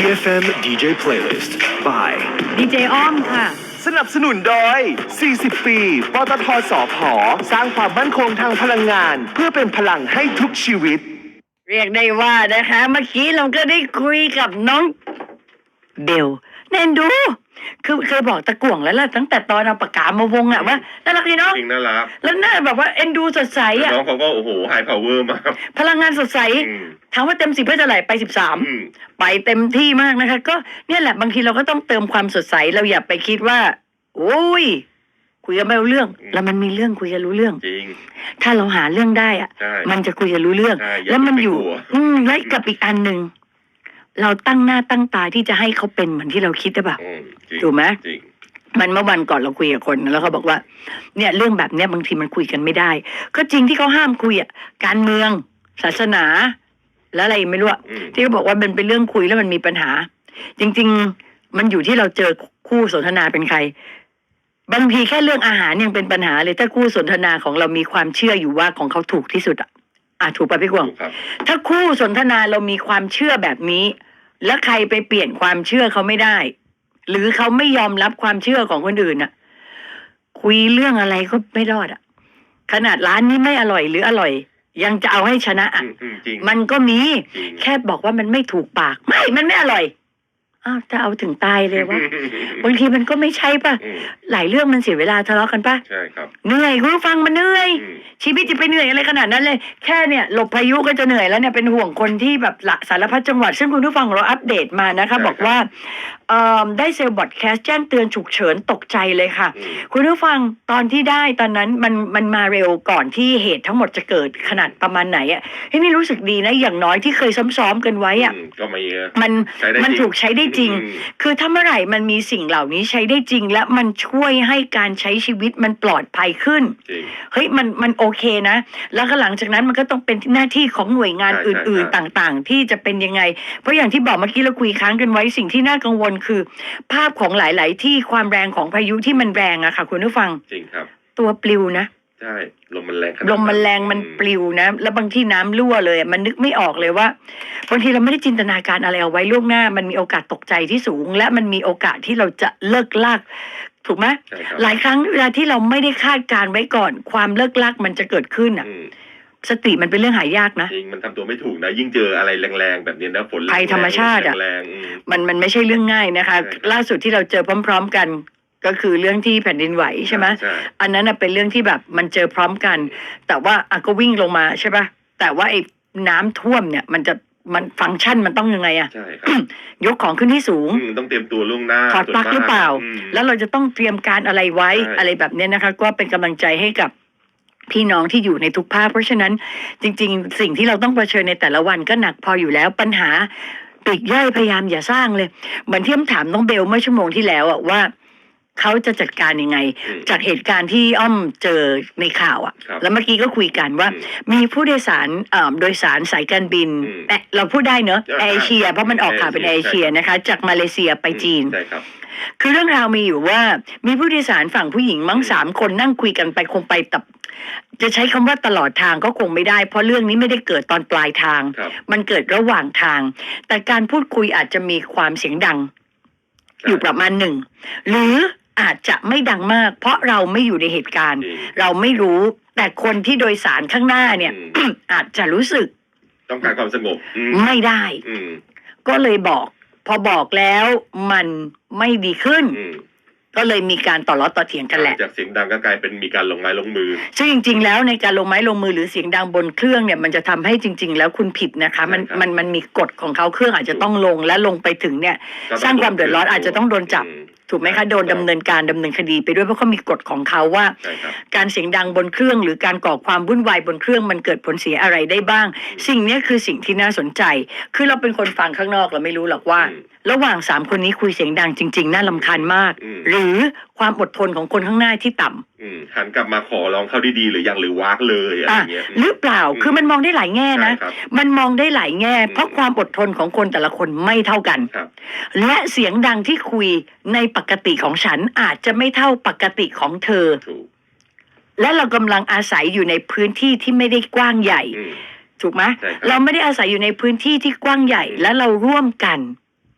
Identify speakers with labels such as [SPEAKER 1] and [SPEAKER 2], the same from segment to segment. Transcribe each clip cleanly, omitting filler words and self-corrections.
[SPEAKER 1] EFM DJ Playlist by
[SPEAKER 2] ดีเจอ้อมค่ะ
[SPEAKER 3] สนับสนุนโดย 40 ปี ปตท.สผ.สร้างความมั่นคงทางพลังงานเพื่อเป็นพลังให้ทุกชีวิต
[SPEAKER 2] เรียกได้ว่านะคะเมื่อกี้เราก็ได้คุยกับน้องเบลเนนดูคือเคยบอกตะกั่วงแล้วล่ะตั้งแต่ตอนเอาปากกามาวงอะว่าน่ารักดีเนาะ
[SPEAKER 4] จริงน่ารัก
[SPEAKER 2] แล้วน่าแบบว่าเอ็นดูสดใสอะ
[SPEAKER 4] น้องเขาก็โอ้โหไฮพาวเวอร์มาก
[SPEAKER 2] พลังงานสดใสถามว่าเต็ม10เพื่อจะไหลไป13ไปเต็มที่มากนะคะก็เนี่ยแหละบางทีเราก็ต้องเติมความสดใสเราอย่าไปคิดว่าโอ้ยคุยกันไม่รู้เรื่องแล้วมันมีเรื่องคุยกันรู้เรื่อง
[SPEAKER 4] จริง
[SPEAKER 2] ถ้าเราหาเรื่องได้อะมันจะคุยกันรู้เรื่องแล้วมันอยู่และกับอีกอันหนึ่งเราตั้งหน้าตั้งตาที่จะให้เขาเป็นเหมือนที่เราคิดหรือเปล่าถูกไหมมันเมื่อวันก่อนเราคุยกับคนแล้วเขาบอกว่าเนี่ยเรื่องแบบเนี้ยบางทีมันคุยกันไม่ได้ก็จริงที่เขาห้ามคุยอ่ะการเมืองศาสนาแล้วอะไรไม่รู้ที่เขาบอกว่ามันเป็นเรื่องคุยแล้วมันมีปัญหาจริงๆมันอยู่ที่เราเจอคู่สนทนาเป็นใครบางทีแค่เรื่องอาหารยังเป็นปัญหาเลยถ้าคู่สนทนาของเรามีความเชื่ออยู่ว่าของเขาถูกที่สุดอ่ะถูกป่ะพี่กวางถ้าคู่สนทนาเรามีความเชื่อแบบนี้แล้วใครไปเปลี่ยนความเชื่อเขาไม่ได้หรือเขาไม่ยอมรับความเชื่อของคนอื่นน่ะคุยเรื่องอะไรก็ไม่รอดอ่ะขนาดร้านนี้ไม่อร่อยหรืออร่อยยังจะเอาให้ชนะอ่ะมันก็มีแค่บอกว่ามันไม่ถูกปากมันไม่อร่อยจะเอาถึงตายเลยวะบางทีมันก็ไม่ใช่ป่ะหลายเรื่องมันเสียเวลาทะเลาะกันป่ะ
[SPEAKER 4] ใช่ครับ
[SPEAKER 2] เหนื่อยคุณฟังมันเหนื่อยชีวิตจะไปเหนื่อยอะไรขนาดนั้นเลยแค่เนี่ยหลบพายุก็จะเหนื่อยแล้วเนี่ยเป็นห่วงคนที่แบบสารพัดจังหวัดซึ่งคุณผู้ฟังเราอัปเดตมานะคะบอกว่าได้เซลล์บอดแคสต์แจ้งเตือนฉุกเฉินตกใจเลยค่ะคุณผู้ฟังตอนที่ได้ตอนนั้นมันมาเร็วก่อนที่เหตุทั้งหมดจะเกิดขนาดประมาณไหนอ่ะนี่รู้สึกดีนะอย่างน้อยที่เคยซ้อมๆกันไว้อ่ะ
[SPEAKER 4] ก็ไม่
[SPEAKER 2] มันถูกใช้ได้จริงคือถ้าเมื่อไหร่มันมีสิ่งเหล่านี้ใช้ได้จริงและมันช่วยให้การใช้ชีวิตมันปลอดภัยขึ้นเฮ้ยมันโอเคนะแล้วก็หลังจากนั้นมันก็ต้องเป็นหน้าที่ของหน่วยงานอื่นๆต่างๆที่จะเป็นยังไงเพราะอย่างที่บอกเมื่อกี้เราคุยค้างกันไว้สิ่งที่น่ากังวลคือภาพของหลายๆที่ความแรงของพายุที่มันแรงอะค่ะคุณผู้ฟัง
[SPEAKER 4] จริงครับ
[SPEAKER 2] ตัวปลิวนะ
[SPEAKER 4] ใช่ลมมันแรง
[SPEAKER 2] มันปลิวนะแล้วบางที่น้ำรั่วเลยมันนึกไม่ออกเลยว่าบางทีเราไม่ได้จินตนาการอะไรเอาไว้ล่วงหน้ามันมีโอกาสตกใจที่สูงและมันมีโอกาสที่เราจะเลิกลากถูกไหมหลายครั้งเวลาที่เราไม่ได้คาดการไว้ก่อนความเลิกลากมันจะเกิดขึ้นอ่ะสติมันเป็นเรื่องหายากนะ
[SPEAKER 4] จริงมันทำตัวไม่ถูกนะยิ่งเจออะไรแรงๆแบบนี้นะฝน
[SPEAKER 2] ภัยธรรมชาติอ่ะมันไม่ใช่เรื่องง่ายนะคะล่าสุดที่เราเจอพร้อมๆกันก็คือเรื่องที่แผ่นดินไหวใช่ไหมอันนั้นเป็นเรื่องที่แบบมันเจอพร้อมกันแต่ว่าก็วิ่งลงมาใช่ปะแต่ว่าไอ้น้ำท่วมเนี่ยมันฟังก์ชันมันต้องยังไงอะ
[SPEAKER 4] ใช่ครับ
[SPEAKER 2] ยกของขึ้นที่สูง
[SPEAKER 4] ต้องเตรียมตัวล่วงหน้า
[SPEAKER 2] ถอดปลั๊กหรือเปล่าแล้วเราจะต้องเตรียมการอะไรไว้อะไรแบบนี้นะคะก็เป็นกำลังใจให้กับพี่น้องที่อยู่ในทุกภาคเพราะฉะนั้นจริงๆสิ่งที่เราต้องเผชิญในแต่ละวันก็หนักพออยู่แล้วปัญหาปลีกย่อยพยายามอย่าสร้างเลยเหมือนที่ถามน้องเบลเมื่อชั่วโมงที่แล้วอะว่าเขาจะจัดการยังไงจากเหตุการณ์ที่อ้อมเจอในข่าวอ่ะแล้วเมื่อกี้ก็คุยกันว่ามีผู้โดยสารโดยสารสายการบินเราพูดได้เนอะเอเชียเพราะมันออกข่าวเป็นเอเชียนะคะจากมาเลเซียไปจีนคือเรื่องราวมีอยู่ว่ามีผู้โดยสารฝั่งผู้หญิงมั้ง3 คนนั่งคุยกันไปคงไปจะใช้คำว่าตลอดทางก็คงไม่ได้เพราะเรื่องนี้ไม่ได้เกิดตอนปลายทางมันเกิดระหว่างทางแต่การพูดคุยอาจจะมีความเสียงดังอยู่ประมาณหนึ่งหรืออาจจะไม่ดังมากเพราะเราไม่อยู่ในเหตุการณ์เราไม่รู้แต่คนที่โดยสารข้างหน้าเนี่ย อาจจะรู้สึก
[SPEAKER 4] ต้องการความสงบ
[SPEAKER 2] ไม่ได้ก็เลยบอกพอบอกแล้วมันไม่ดีขึ้นก็เลยมีการต่อล้อต่อเถียงกันแหละ
[SPEAKER 4] จากเสียงดังก็กลายเป็นมีการลงไม้ลงมือ
[SPEAKER 2] ซึ่งจริงๆแล้วในการลงไม้ลงมือหรือเสียงดังบนเครื่องเนี่ยมันจะทำให้จริงๆแล้วคุณผิดนะคะมันมีกฎของเขาเครื่องอาจจะต้องลงและลงไปถึงเนี่ยสร้างความเดือดร้อนอาจจะต้องโดนจับถูกไหมคะโดนดำเนินคดีไปด้วยเพราะเขามีกฎของเขาว่าการเสียงดังบนเครื่องหรือการก่อความวุ่นวายบนเครื่องมันเกิดผลเสียอะไรได้บ้างสิ่งนี้คือสิ่งที่น่าสนใจคือเราเป็นคนฟังข้างนอกเราไม่รู้หรอกว่าระหว่าง3 คนนี้คุยเสียงดังจริงๆน่ารำคาญมากหรือความอดทนของคนข้างหน้าที่ต่ำ
[SPEAKER 4] หันกลับมาขอร้องเข้าดีๆหรือยังหรือวากเลยอะไรเงี้ย
[SPEAKER 2] หรือเปล่าคือมันมองได้หลายแง่นะมันมองได้หลายแง่เพราะความอดทนของคนแต่ละคนไม่เท่ากันและเสียงดังที่คุยในปกติของฉันอาจจะไม่เท่าปกติของเธอและเรากำลังอาศัยอยู่ในพื้นที่ที่ไม่ได้กว้างใหญ่ถูกไหมเราไม่ได้อาศัยอยู่ในพื้นที่ที่กว้างใหญ่และเราร่วมกัน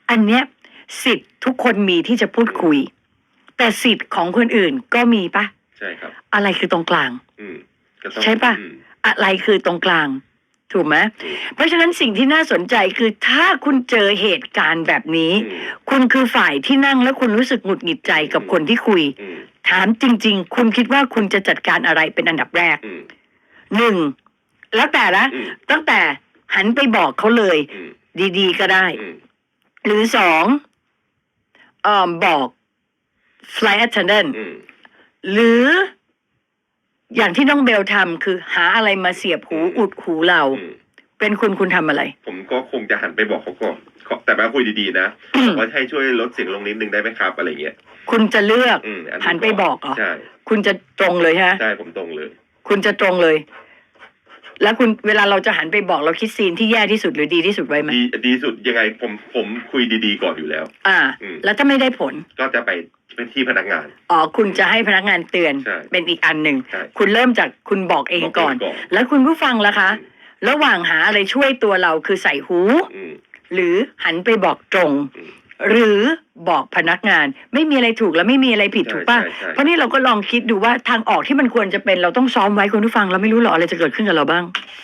[SPEAKER 2] อันเนี้ยสิทธิ์ทุกคนมีที่จะพูดคุย แต่สิทธิ์ของคนอื่นก็มีปะ
[SPEAKER 4] ใช่ครับ
[SPEAKER 2] อะไรคือตรงกลาง
[SPEAKER 4] ก็ต้อง
[SPEAKER 2] ใช่ปะ อะไรคือตรงกลาง ถูกไหมเพราะฉะนั้นสิ่งที่น่าสนใจคือถ้าคุณเจอเหตุการณ์แบบนี้ คุณคือฝ่ายที่นั่งแล้วคุณรู้สึกหงุดหงิดใจกับคนที่คุย ถามจริง ๆ คุณคิดว่าคุณจะจัดการอะไรเป็นอันดับแรก หนึ่งแล้วแต่ละตั้งแต่หันไปบอกเขาเลย ดีๆก็ได้ หรือสองบอก flight attendant หรืออย่างที่น้องเบลทำคือหาอะไรมาเสียบหูอุดหูเรา เป็นคุณทำอะไร
[SPEAKER 4] ผมก็คงจะหันไปบอกเขาก่อนแต่มาคุยดีๆนะบอกว่าให้ช่วยลดเสียงลงนิดนึงได้ไหมครับอะไรเงี้ย
[SPEAKER 2] คุณจะเลือกหันไปบอกเหรอ
[SPEAKER 4] ใช่
[SPEAKER 2] คุณจะตรงเลยฮะ
[SPEAKER 4] ใช่ผมตรงเลย
[SPEAKER 2] คุณจะตรงเลย แล้วคุณเวลาเราจะหันไปบอกเราคิดซีนที่แย่ที่สุดหรือดีที่สุดไว้ไหม
[SPEAKER 4] ดีสุดยังไงผมคุยดีๆก่อนอยู่แล้ว
[SPEAKER 2] แล้วถ้าไม่ได้ผล
[SPEAKER 4] ก็จะไปเป็นที่พนักงาน
[SPEAKER 2] คุณจะให้พนักงานเตือนเป็นอีกอันหนึ่งคุณเริ่มจากคุณบอกเองก่อนแล้วคุณผู้ฟังล่ะคะระหว่างหาอะไรช่วยตัวเราคือใส่หูหรือหันไปบอกตรงหรือบอกพนักงานไม่มีอะไรถูกและไม่มีอะไรผิดถูกป่ะเพราะนี่เราก็ลองคิดดูว่าทางออกที่มันควรจะเป็นเราต้องซ้อมไว้คุณผู้ฟังเราไม่รู้หรอกอะไรจะเกิดขึ้นกับเราบ้าง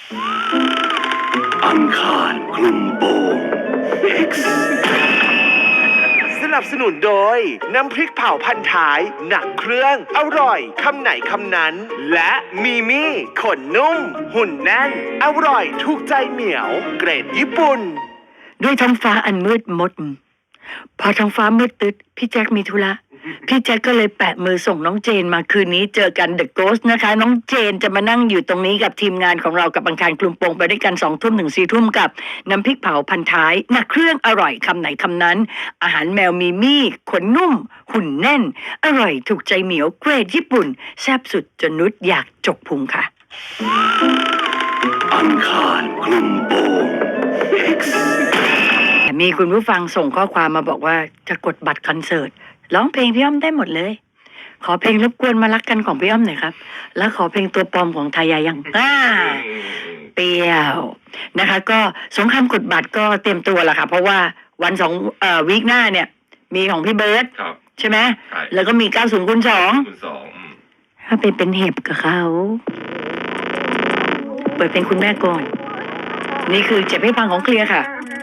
[SPEAKER 1] อังคารคลุมโปง X
[SPEAKER 3] สนับสนุนโดยน้ำพริกเผาพันท้ายหนักเครื่องอร่อยคำไหนคำนั้นและมีมี่ขนนุ่มหุ่นแน่นอร่อยถูกใจเหมียวเกรดญี่ปุ่น
[SPEAKER 2] ด้วยท้องฟ้าอันมืดมนพอท้องฟ้ามืดตึ๊ดพี่แจ็คมีธุระพี่แจ็คก็เลยแปะมือส่งน้องเจนมาคืนนี้เจอกันเดอะโกสต์นะคะน้องเจนจะมานั่งอยู่ตรงนี้กับทีมงานของเรากับอังคารกลุ่มโปงไปด้วยกัน2 ทุ่มถึง4 ทุ่มกับน้ำพริกเผาพันท้ายหนักเครื่องอร่อยคำไหนคำนั้นอาหารแมวมีมี่ขนนุ่มหุ่นแน่นอร่อยถูกใจเหมียวเกรดญี่ปุ่นแซ่บสุดจนนุชอยากจกพุงค่ะ
[SPEAKER 1] อังคารคลุมโปง X
[SPEAKER 2] มีคุณผู้ฟังส่งข้อความมาบอกว่าจะกดบัตรคอนเสิร์ตร้องเพลงพี่อ้อมได้หมดเลยขอเพลงรบกวนมารักกันของพี่อ้อมหน่อยครับแล้วขอเพลงตัวปลอมของทายายังเปรี้ยวนะคะก็สงครามกดบัตรก็เตรียมตัวแล้วค่ะเพราะว่าวันวีคหน้าเนี่ยมีของพี่เบิร์ดใช่ไหมแล้วก็มี90 คูณ 2ถ้าเป็นเห็บกับเขาเปิดเป็นคุณแม่ก่อนนี่คือเจ็บให้ฟังของเคลียร์ค่ะ